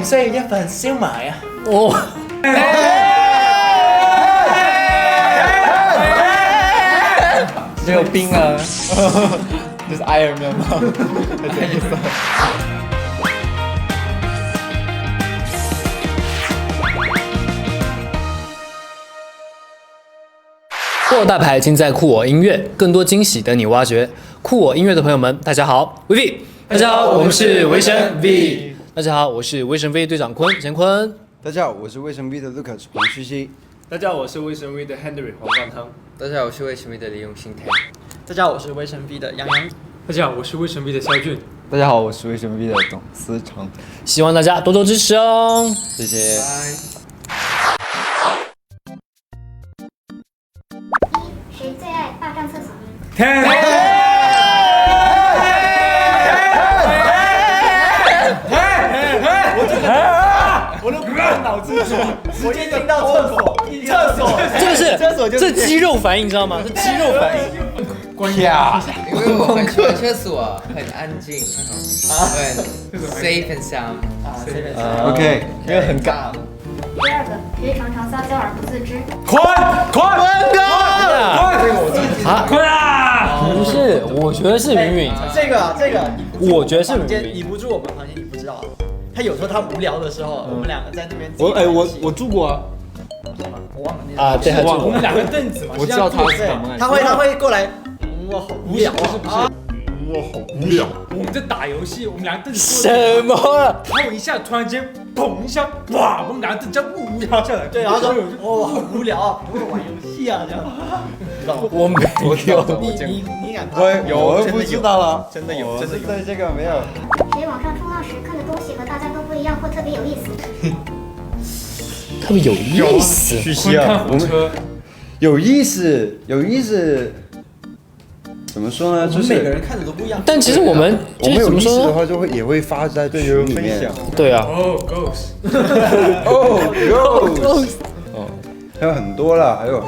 唔需要一份燒賣啊？ 哦。 没有冰啊，这是 Iron Man 吗？ 酷我大牌尽在酷我音乐，更多惊喜等你挖掘。酷我音乐的朋友们，大家好，VV，大家好，我们是维神 V， 大家好，我是维神 V 队长坤乾坤， 大家好，我是卫生 V 的 Lucas 黄旭熙。 大家好，我是卫生 V 的 Henry 黄冠汤。 大家好，我是卫生 V 的李永新 K。 大家好，我是微神 V 的杨洋。 大家好，我是卫生 V 的肖俊。 大家好，我是卫生 V 的董思成。 希望大家多多支持哦， 谢谢。 谁最爱霸占厕所？ 我都不用脑子转，我一听到厕所， 这肌肉反应，你知道吗？这肌肉反应。 因为我很喜欢厕所，很安静，很 safe and sound。 OK， 因为很尬。 第二个，谁常常撒娇而不自知？ 不是，我觉得是云云。 这个， 我觉得是你不住我们房间，你不知道。他有时候他无聊的时候，我们两个在那边。 我住过啊。 我忘了那啊，对， 我们两个凳子嘛， 我知道他是什么。 他会过来，我好无聊啊。 我好无聊。 我们在打游戏，我们两个凳子什么？ 他有一下突然间砰一下，哇，我们两个凳子呜压下来。 对，然后说哦好无聊啊，陪我玩游戏啊这样。 我没有。 你敢？ 我不知道了， 真的有， 对这个没有。 谁网上冲浪时看的东西和大家都不一样，或特别有意思？ 特别有意思。 旭熙啊，我们有意思。怎么说呢？就是每个人看的都不一样。 但其实我们就是怎有意思么说呢？ 的话，也会发在群里面。 对啊。 哦 ，Ghost。 还有很多啦，还有。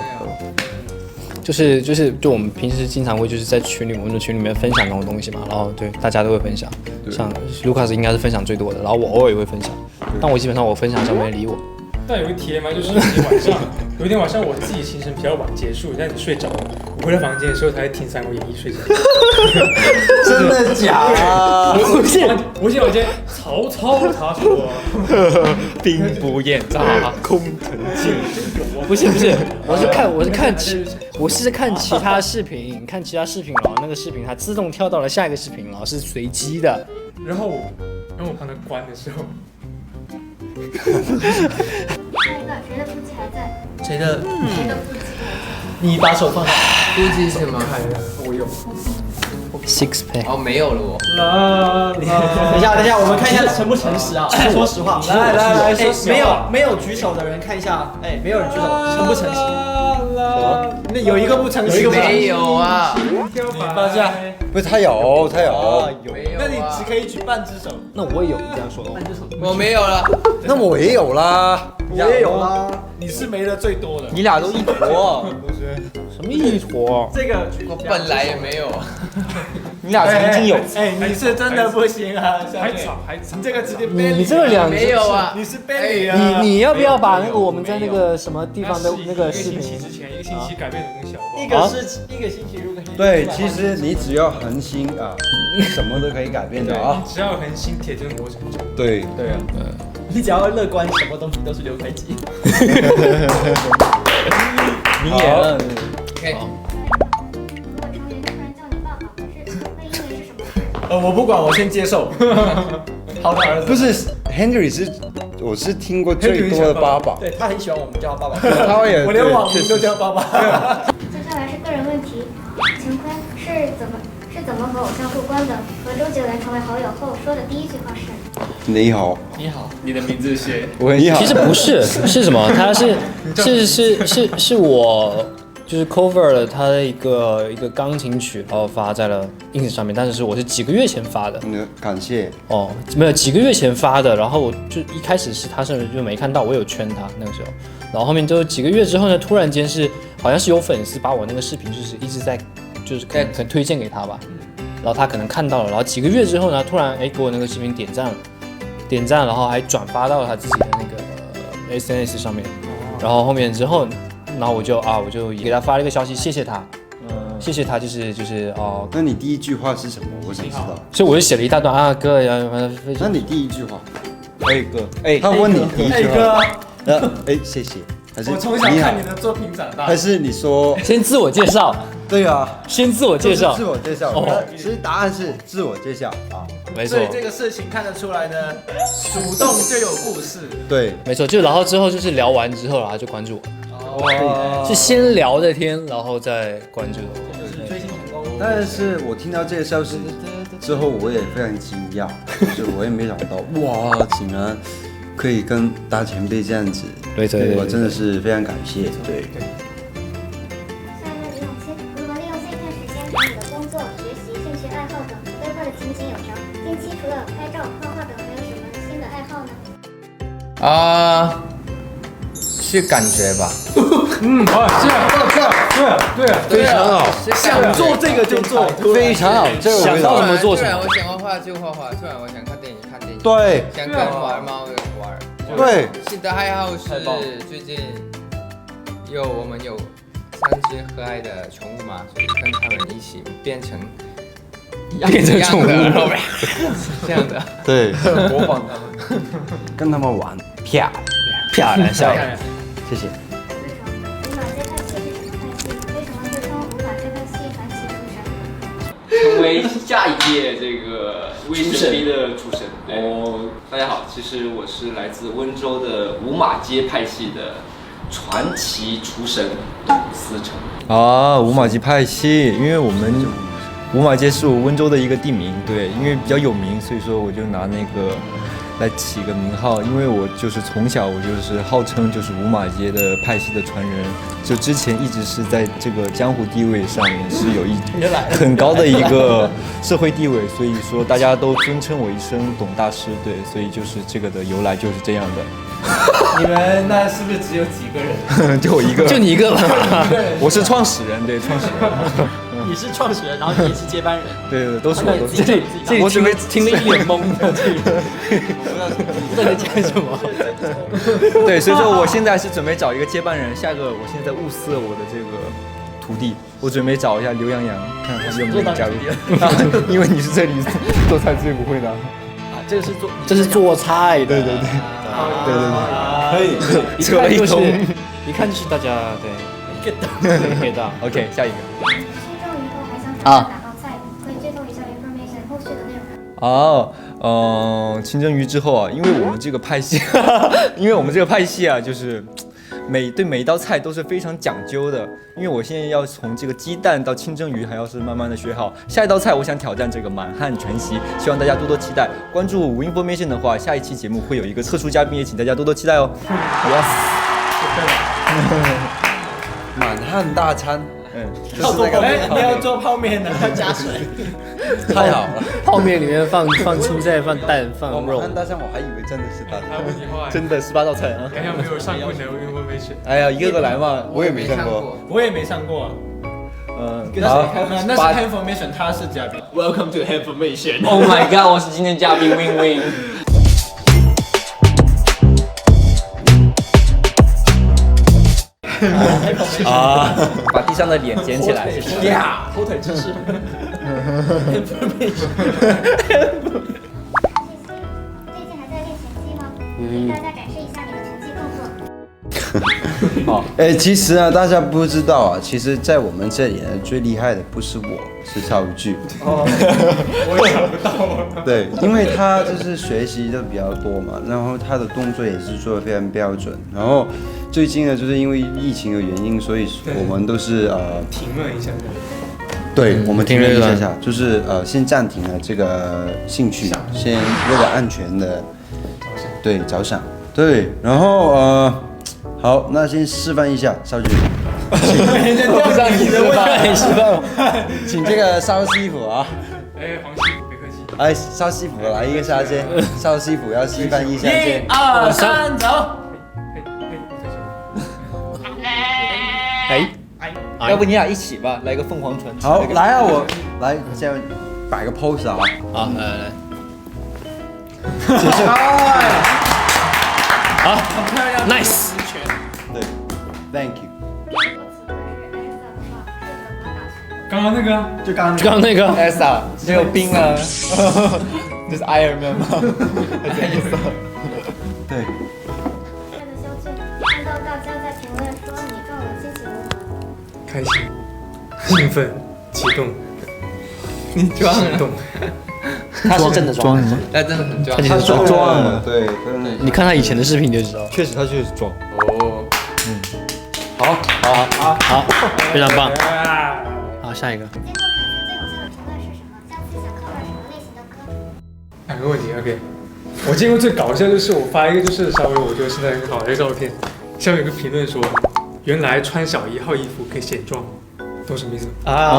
就我们平时经常会就是在我们的群里面分享那种东西嘛，然后对大家都会分享，像卢卡斯应该是分享最多的，然后我偶尔也会分享，但我基本上我分享上没人理我。 但有一天嘛，就是有一天晚上我自己行程比较晚结束，但你睡着了，我回到房间的时候才听《三国演义》睡着。 真的假的？ 不是，我记得我今天曹操他说兵不厌诈，空城计。不是，我是看其他视频，然后那个视频它自动跳到了下一个视频，然后是随机的。 然后我帮他关的时候， 下一个，谁的腹肌还在？ 谁的？ 谁的腹肌？ 你把手放下。 估计是什么？ 我有。 Six pack。 哦，没有了我。 等一下，我们看一下诚不诚实啊？说实话，来，没有举手的人看一下，没有人举手，诚不诚实？那有一个不诚实， 没有啊。 你放下。 不是他有。 那你只可以举半只手。 那我也有，你这样说的话。 我没有了。 那我也有啦。 我也有啦。你是没的最多的。 你俩都一坨。 什么一坨？ 这个我本来也没有。 你俩曾经有。 你是真的不行啊！ 还早， 这个直接你这个两没有啊？ 你是 belly 啊！ 你要不要把那个我们在那个什么地方的那个视频？ 一个星期改变的东西好不好？ 一个星期如果对，其实你只要恒心啊，什么都可以改变的啊。 只要恒心，铁就能磨成针。 对啊，你只要乐观，什么东西都是6块几。 你也。 OK。 如果成员突然叫你爸爸，会因为是什么？ 我不管，我先接受。好的儿子。 不是 Henry 我是听过最多的爸爸。 对他很喜欢我们叫他爸爸。 我连网名都叫爸爸。 接下来是个人问题，乾坤是怎么和偶像过关的？和周杰伦成为好友后说的第一句话是？ 你好。 你好。 你的名字是？ 你好。 其实不是，是什么？他是我。 就是 cover 了他的一个钢琴曲，然后发在了 ins 上面，但是我是几个月前发的。 感谢。 哦，没有几个月前发的，然后我就一开始是他甚至就没看到，我有圈他那个时候，然后后面就几个月之后呢，突然间好像是有粉丝把我那个视频就是一直在可能推荐给他吧，然后他可能看到了，然后几个月之后呢，突然给我那个视频点点赞，然后还转发到了他自己的那个SNS 上面。然后后面之后，然后我就给他发了一个消息，谢谢他。谢谢他，就是哦。 那你第一句话是什么？我想知道。 所以我就写了一大段啊，哥呀， 那你第一句话？ 哥， 他问你第一句话， 哥， 谢谢，还是我从小看你的作品长大。 还是你说？ 先自我介绍。 对啊， 先自我介绍。 自我介绍。哦，其实答案是自我介绍啊， 没错。 所以这个事情看得出来呢，主动就有故事。 对， 没错。就然后之后就是聊完之后，然后就关注我。是先聊的天，然后再关注我。 追星成功。 但是我听到这个消息之后，我也非常惊讶，就是我也没想到，哇，竟然可以跟大前辈这样子， 对， 我真的是非常感谢，对。 下一位李永清，如何利用碎片时间把你的工作、学习、兴趣爱好等规划的井井有条？近期除了拍照、画画等，还有什么新的爱好呢？ 是感觉吧。 对，非常好， 想做这个就做， 非常好，这个想到什么做什么。 突然我想画画就画画，突然我想看电影看电影， 对， 想跟玩猫就玩。 对， 新的爱好是最近我们有3只可爱的宠物嘛，所以跟他们一起变成宠物， 这样的， 对， 模仿他们， 跟他们玩，漂亮，笑脸， 谢谢。 无法接派系是什么派系？为什么会称无法接派系传奇厨神？ 成为下一届这个威神逼的主神。大家好，其实我是来自温州的五马街派系的传奇厨神董思成。 五马街派系，因为我们五马街是我温州的一个地名，对，因为比较有名，所以说我就拿那个来起个名号，因为我就是从小我就是号称就是五马街的派系的传人，就之前一直是在这个江湖地位上面是有很高的一个社会地位，所以说大家都尊称我一声董大师，对，所以就是这个的由来就是这样的。 你们那是不是只有几个人？ 就我一个， 就你一个吧。 我是创始人，对，创始人。 你是创始人，然后你也是接班人。 对，都是我，都是。 这里我准备听了一脸懵的，这里不知道在讲什么。 对，所以说我现在是准备找一个接班人，下个我现在在物色我的这个徒弟，我准备找一下刘洋洋，看他有没有加入。因为你是这里做菜最不会的。 这是做菜的。 对，可以，扯了一通， 一看就是大家对 get 到。OK， 下一个。 新中以后还想挑战哪道菜？可以剧透一下 information 后续的内容。 清蒸鱼之后啊，因为我们这个派系啊，就是对每一道菜都是非常讲究的。因为我现在要从这个鸡蛋到清蒸鱼，还要是慢慢的学好。下一道菜我想挑战这个满汉全席，希望大家多多期待。关注无 information 的话，下一期节目会有一个特殊嘉宾，也请大家多多期待哦。Yes。 满汉大餐， 要做泡面，你要做泡面的，要加水， 太好了。 泡面里面放青菜、放蛋、放肉。 满汉大餐我还以为真的是大餐， 真的18道菜啊！ 好像没有上过的 information。 哎呀，一个个来嘛， 我也没上过， 我也没上过。 好， 那是 Information， 他是嘉宾。Welcome to Information。 Oh my god， 我是今天嘉宾 Win Win。 把地上的脸捡起来， 呀，后腿姿势。 最近还在练拳击吗？给大家展示一下你的拳击动作。 好，其实呢，大家不知道啊，其实，在我们这里呢，最厉害的不是我，是超巨。 我也想不到。 对，因为他就是学习的比较多嘛，然后他的动作也是做的非常标准。然后最近呢，就是因为疫情的原因，所以我们都是停了一下。 对，我们停了一下，就是先暂停了这个兴趣，先为了安全的着想。对，然后好，那先示范一下少举。 我不让你示范， 请这个邵师傅啊。 黄师傅，别客气。 邵师傅来一个下先，邵师傅要示范一下先。 1、2、3，走。 要不你俩一起吧，来个凤凰传奇。 好，来啊，我来先摆个 pose 啊。 好，来。 结束。好漂亮 ，nice。 对，Thank you。 刚刚那个啊， 就刚刚刚那个 Elsa 没有冰啊，就是 Iron Man 吗？对。 亲爱的肖俊，看到大家在评论说你撞了，心情如何？ 开心、兴奋、激动， 你装了， 动。 他是真的装， 他真的很装。 他就是撞了，对，真的。 你看他以前的视频就知道。 确实他就是装。 哦， 好，非常棒。好，下一个。 接受成绩最有效的评论是什么？下次想 cover 什么类型的歌？ 两个问题 ，OK。我见过最搞笑就是我发一个就是稍微我觉得现在很好的一个照片，下面有个评论说，原来穿小1号衣服可以显壮，懂什么意思吗？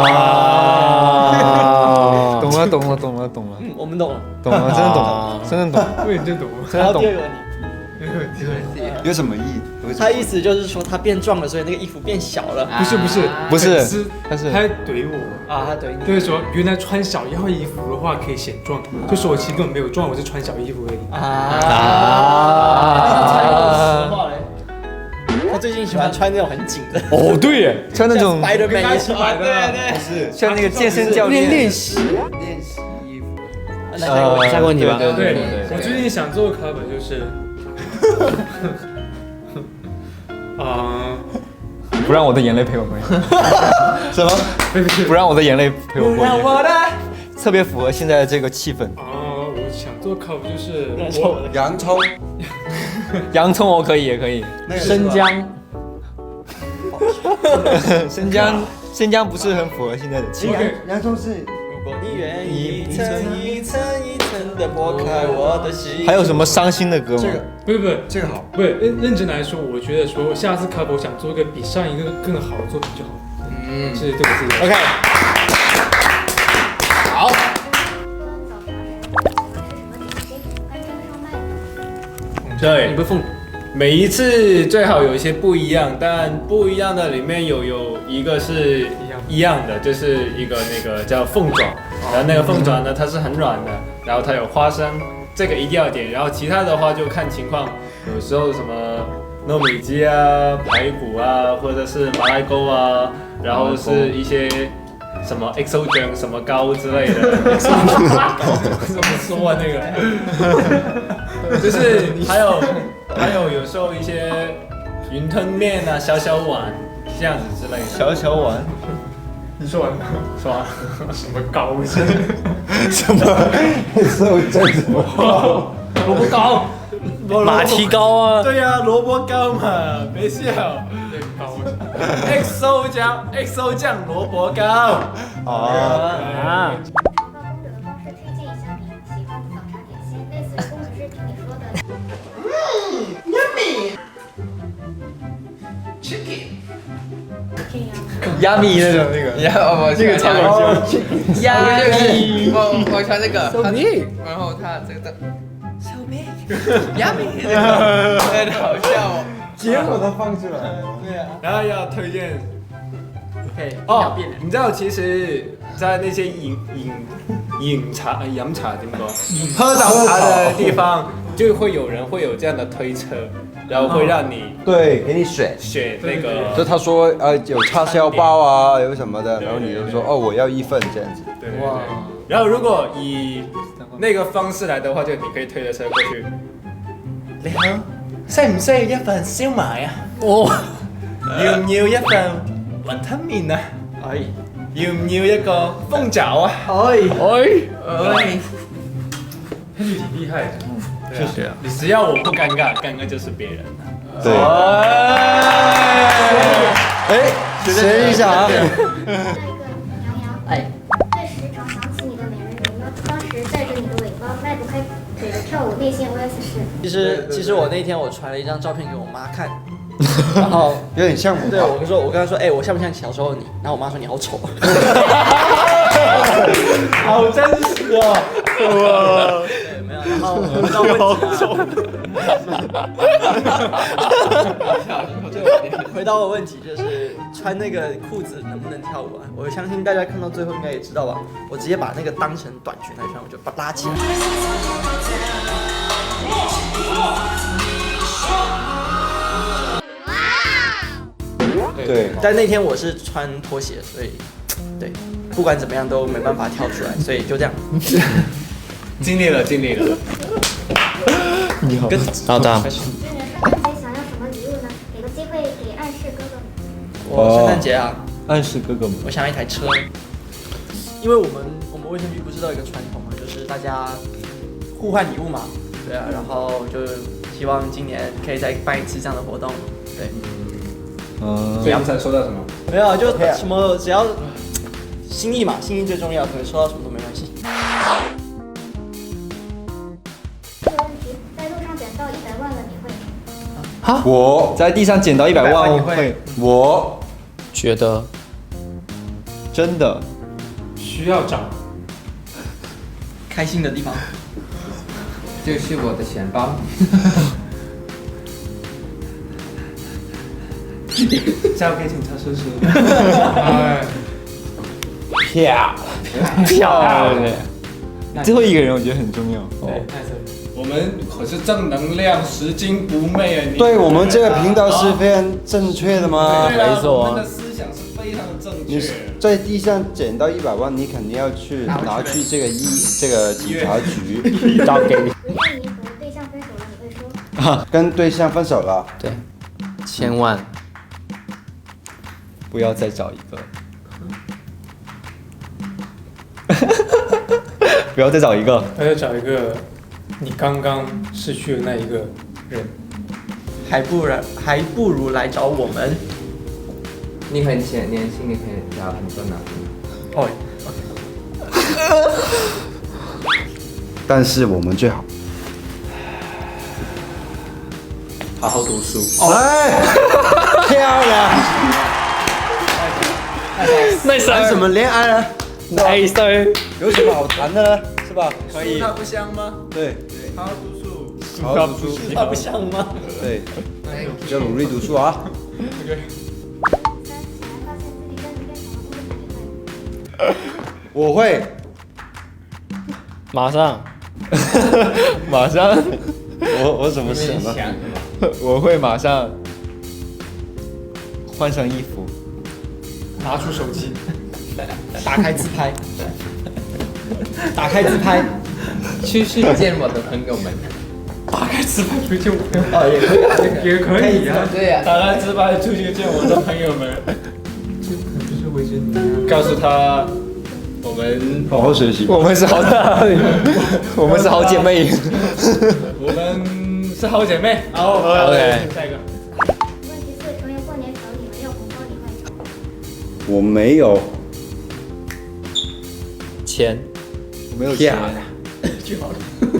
懂了， 我们懂了。 真的懂了，真的懂， 我也真懂了。 然后第二个问题， 有什么意？ 他意思就是说他变壮了，所以那个衣服变小了。 不是粉丝他是他怼我啊，他怼你。 就是说原来穿小1号衣服的话可以显壮，就说我其实根本没有壮，我是穿小衣服而已。 实话嘞。他最近喜欢穿那种很紧的。 哦，对耶，穿那种 Spider-Man 一起买的， 对， 是像那个健身教练练习衣服。 下个问题吧。 对，我最近想做的 cover 就是不让我的眼泪陪我过夜。什么？不让我的眼泪陪我过夜。特别符合现在的这个气氛。 我想做 cover 就是洋葱， 洋葱我可以，也可以。 生姜， 生姜不是很符合现在的气氛。 洋葱是。 如果你愿意一层一层一层的剥开我的心。 还有什么伤心的歌吗？ 不是， 这个好。 不是认真来说，我觉得说下次 cover 我想做一个比上一个更好的作品就好。是对我自己。 OK。 好。 对， 你不凤。 每一次最好有一些不一样，但不一样的里面有一个是一样的，就是一个那个叫凤爪，然后那个凤爪呢它是很软的，然后它有花生，这个一定要点，然后其他的话就看情况，有时候什么糯米鸡啊、排骨啊，或者是马来糕啊，然后是一些什么 XO 酱什么糕之类的，怎么说啊那个，就是还有有时候一些云吞面啊、小小碗这样子之类的。 小碗， 你说完了？说完了。什么糕？ 什么？ 萝卜糕， 马蹄糕啊。 对呀，萝卜糕嘛，别笑。XO 酱萝卜糕。 公主的方式推荐一下你喜欢的早茶点心，类似于公主视频里说的。 亚米那种那个， 这个超搞笑。 我穿这个，然后他这个的小妹，Yummy， 好笑哦。 结果都放出来了。 对啊。 然后要推荐。 OK。 你知道其实，在那些饮茶、饮茶怎么说？喝早茶的地方，就会有人会有这样的推车，然后会让你对，给你选那个。 就他说有叉烧包啊，有什么的，然后你就说我要1份这样子。 对。哇。然后如果以那个方式來的話，就你可以推咗車過去。你好，需唔需要一份燒賣啊？哦。要唔要一份雲吞麵啊？可以。要唔要一個鳳爪啊？可以。他就挺厲害的。謝謝啊。你只要我不尷尬，尷尬就是別人。 對。學一下啊。 下一個杨洋，最时常想起你的美人鱼呢？当时带着你的尾巴迈不开腿的跳舞，内心 OS 是。 其实我那天我传了一张照片给我妈看，然后有点像我。 对，我跟她说，我像不像小时候的你？然后我妈说你好丑。好真实哦。对，没有。 然后回到问题回到我问题，就是穿那个裤子能不能跳舞啊？我相信大家看到最后应该也知道吧。我直接把那个当成短裙来穿，我就把它拉起来。 对， 但那天我是穿拖鞋，所以对，不管怎么样都没办法跳出来，所以就这样。 尽力了。 你好， 老大， 今年圣诞节想要什么礼物呢？给个机会给暗示哥哥。 我圣诞节啊， 暗示哥哥们。 我想要一台车，因为我们卫生局不是都有一个传统嘛，就是大家互换礼物嘛，对啊，然后就希望今年可以再办一次这样的活动，对。 所以你才收到什么？ 没有，就什么只要心意嘛，心意最重要，可能收到什么都没关系。 这个问题，在路上捡到100万了，你会吗？ 我在地上捡到100万， 我觉得真的需要找。 开心的地方， 就是我的钱包。 交给警察叔叔。 漂亮。最后一个人我觉得很重要。 我们可是正能量拾金不昧啊！ 对我们这个频道是非常正确的吗？ 对啊， 没错我们的思想是非常的正你确。 在地上捡到100万，你肯定要去拿去这个警察局交给你。 如果你和对象分手了，你会说？ 跟对象分手了， 对，千万不要再找一个。不要再找一个。 他要找一个你刚刚失去的那一个人。 还不如来找我们。 你很年轻，你可以交很多男朋友。 哦， 但是我们最好好好读书。 哎，漂亮！谈什么恋爱呢？ nice， 有什么好谈的呢？是吧？可以。 它不香吗？ 对， 好好读书。 好好读书。 那不像吗？ 对，要努力读书啊。 3. 显然发现自己跟你变成了不能理会。 我会， 马上马上， 我怎么想的？ 我会马上换上衣服， 拿出手机， 打开自拍，打开自拍， 去见我的朋友们。 打开自拍出去我。 哦，也可以啊， 也可以啊。 对呀、 打开自拍出去见我的朋友们。就是维持你。告诉他，我们好好学习。 我们是好我们是好姐妹。 我们是好姐妹。好 OK 下一个。 问题4，成员过年找你没有红包，你会？ 我没有， 钱， 我没有钱。 就好了。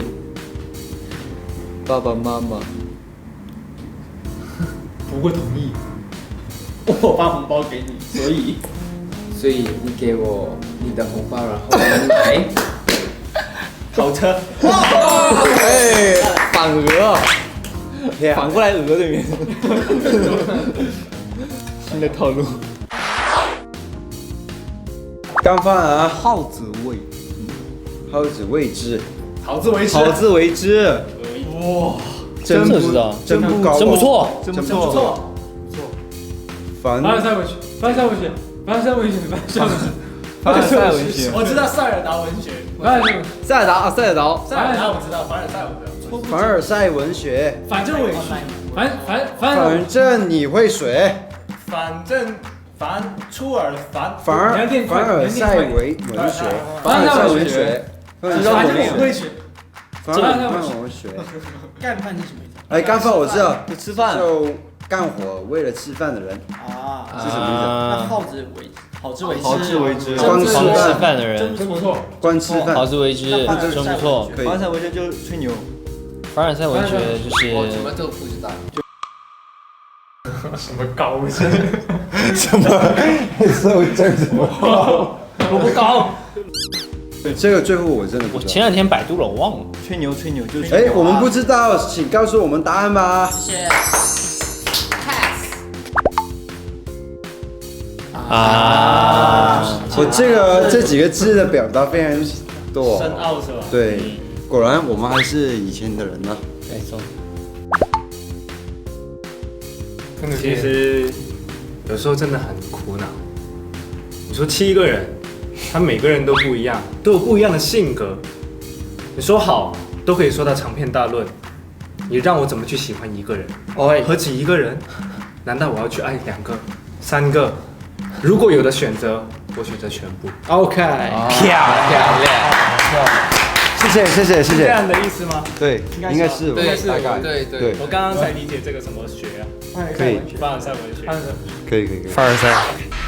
爸爸妈妈不会同意。 我发红包给你， 所以你给我你的红包，然后我买跑车。 哎，反额，反过来额对面。新的套路。 干饭啊，好自为之， 好自为之。 好自为之。 哇， 真这知道真不高， 真不错， 真不错。 凡凡尔赛文学，凡尔赛文学，凡尔赛文学， 凡尔赛文学。 我知道塞尔达文学。 塞尔达啊，塞尔达。 塞尔达我知道，凡尔赛我不知道。 凡尔赛文学， 反正我也是。 反正你会水。 反正凡出尔凡。 凡尔赛文学，凡尔赛文学，凡尔赛反正文学， 我会学。 凡尔赛文学。 干饭是什么意思？ 哎，干饭我知道， 就吃饭。 就干活为了吃饭的人啊， 是什么意思？ 那好自为之， 好自为之。 光吃光吃饭， 饭的人， 真不错。 光吃饭， 好自为之，真不错。 可以凡尔赛文学就是吹牛。 凡尔赛文学就是我什么都不知道。 什么高深？ 什么？这什么？ 我不高。 这个最后我真的不知道。 我前2天百度了，我忘了。 吹牛就是哎，我们不知道，请告诉我们答案吧。 谢谢。 我这几个字的表达非常多， 深奥是吧？ 对，果然我们还是以前的人呢。 没错。 其实有时候真的很苦恼。你说7个人，他每个人都不一样，都有不一样的性格。你说好，都可以说到长篇大论。你让我怎么去喜欢一个人？何止一个人？难道我要去爱2个、3个？如果有的选择，我选择全部。 OK， 漂亮。 谢谢是这样的意思吗？ 对，应该是吧，大概对。 我刚刚才理解这个什么学啊？ 可以， 凡尔赛文学。 可以。 凡尔赛。